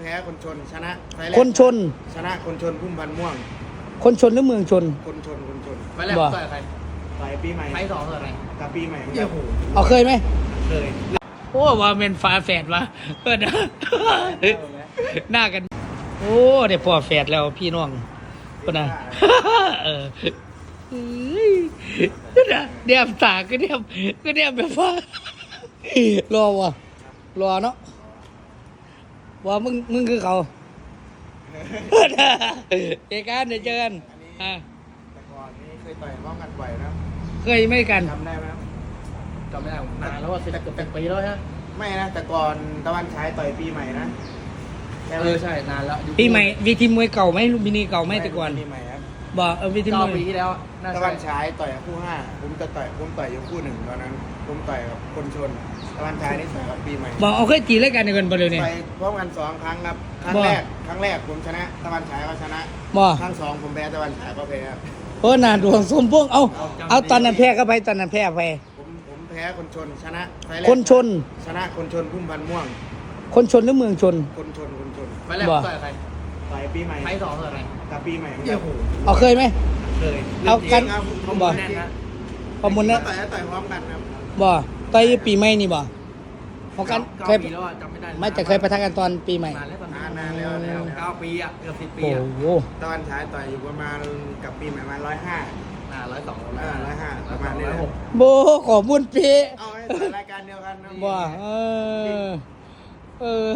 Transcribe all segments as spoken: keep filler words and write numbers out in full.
พ้คนชนชนะไฟแรกคนชนชนะคนชนพุ่มพันธุ์ม่วงคนชนหรือเมืองชนคนชนคนชนไปแรกต่อยใครต่อยปีใหม่ไฟสองต่อยใครกับปีใหม่เหมือนเยี่กัยนโหเอาเคยไหมเคยโอ้ว่าเป็นฝาแฝดวะเพื่อนนะหน้ากันโอ้เดี๋ยวพ่อแฝดแล้วพี่น้องคนน่ะเออเฮ้ยนะเดียมตาก็เดียมก็เดียมแบบว่ารอวะรอเนาะว่ามึงมึงคือเขาเจอกันเดี๋ยวเจอกันอ่าแต่ก่อนนี่เคยต่อยป้องกันบ่อยนะเคยไม่กันจำได้ไหมครับจำไม่ได้นานแล้วว่าสิบเกือบเป็นปีแล้วฮะไม่นะแต่ก่อนตะวันฉายต่อยปีใหม่นะเออใช่นานแล้วปีใหม่วีทีมวยเก่าไหมลูกมินีเก่าไหมแต่ก่อนปีใหม่ครับบอกเออวีทีมเก้ามวยปีที่แล้วน่าตะใช่วันฉายต่อยกับคู่ห้าผมจะต่อยผมต่อยอยู่คู่หนึ่งตอนนั้นผมต่อยกับคนชนตะวันฉายนี่ต่อยกับปีใหม่บอกเอาเคยตีรายการเดียวกันไปเลยเนี่ยต่อยพร้อมกันสองครั้งครับครั้งบ่แรกครั้งแรกผมชนะตะวันฉายก็ชนะบอกครั้งสองผมแพ้ตะวันฉายก็แพ้ครับโอ้นาดวงสมพงษ์เอาเอาตอนนั้นแพ้ก็ไปตอนนั้นแพ้ไปผมผมแพ้คนชนชนะไฟแรกคนชนชนะคนชนพุ่มพันธุ์ม่วงคนชนหรือเมืองชนคนชนคนชนไปแรกบ่ต่อยใครต่อยปีใหม่ไฟสองต่อยใครกับปีใหม่เหมือนเยี่กัยนโหเอาเคยไหมเคยเอากันครับผมบ่แน่นนะประมูลนะต่อยต่อยพร้อมกันครับบ่ต่อยปีใหม่นี่บ่ของกันเคเก้าย ปีแล้วอะจำไม่ได้ไม่แต่เคยปะทะกันตอนปีใหม่นานแล้วตอนนานนานแล้วแล้วเก้าปีอ่ะเกือบสิบปีโอ้อ่ะโหตะวันฉายต่อยอยู่ประมาณกับปีใหม่ประมาณร้อยห้าอ่าร้อยสองอ่าร้อยห้าประมาณนี้ร้อยหกโบขอบุญเป๊ะเอาให้ต่อยรายการเดียวกันนะบ่เออเออ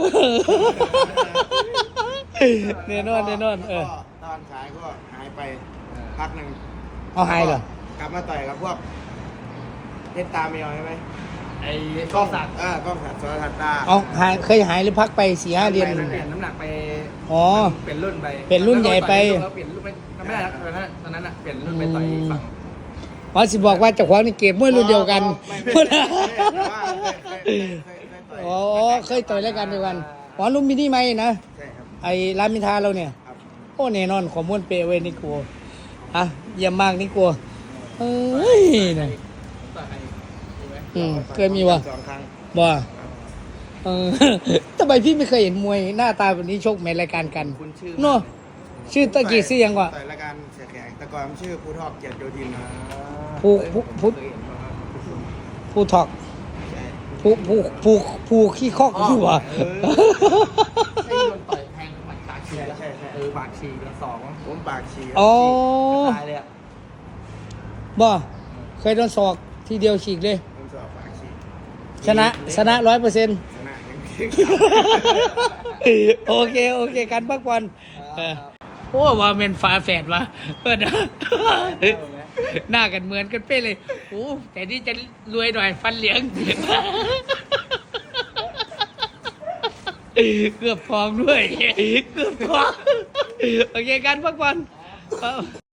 แน่นอนแน่นอนเออก็ตะวันฉายก็หายไปพักหนึ่งเอาหายเหรอกลับมาต่อยกับพวกเพชรตาเมียวใช่ไหมไอ้กล้องสักดิ์เออกล้องสักดิ์สรทัศน์ตาเอาหายเคยหายหรือพักไปสี่ห้าเดือนเปลี่ยนน้ำหนักไปอ๋อเปลี่ยนรุ่นไปเปลี่ยนรุ่นใหญ่ไปแล้วเปลี่ยนรุ่นไปไม่ได้แล้วตอนนั้นตอนนั้นอ่ะเปลี่ยนรุ่นไปต่อยฝั่งอ๋อสิบอกว่าเจ้าของนี่เก็บมวยรุ่นเดียวกันไม่ไม่ไม่แต่ว่าเคยเคยเคยเคยต่อยอ๋อเคยต่อยรายการเดียวกันอ๋อลุมมินิไหมนะใช่ครับไอ้รามอินทราเราเนี่ยครับโอ้แน่นอนขอม้วนเปเว้ยนี่กลัวอ่ะเยี่ยมมากนี่กลัวเอ้ยนะต่อยใครมีไหมอืมเคยมีวะสองครั้งบ่เออ ทำไมพี่ไม่เคยเห็นมวยหน้าตาแบบนี้ชกในรายการกันคุณชื่อเนาะชื่อตะกี้ชื่อยังวะต่อยรายการเสียแขกแต่ก่อนชื่อภูทอกเกียรติโยธินนะผู้ผู้ผู้เคยเห็นป่ะครับผู้ถอกใช่ผู้ผู้ผู้ผู้ขี้คอกอยู่วะไอ้โดนต่อยแทงหมัดปากฉีกแล้วเออปากฉีกแล้วสองผมปากฉีกอ๋อตายเลยอ่ะบ่เคยโดนศอกทีเดียวฉีกเลยผมสอบปากฉีกชนะชนะร้อยเปอร์เซ็นต์ชนะอย่างโอเค โอเคการพักผ่อนเออโอ้ว่าเป็นฝาแฝดวะเพื่อนนะหน้ากันเหมือนกันเป๊ะเลยโอ้แต่นี่จะรวยหน่อยฟันเหลียงเกือบฟองด้วย เกือบฟองโอเคการพักผ่อน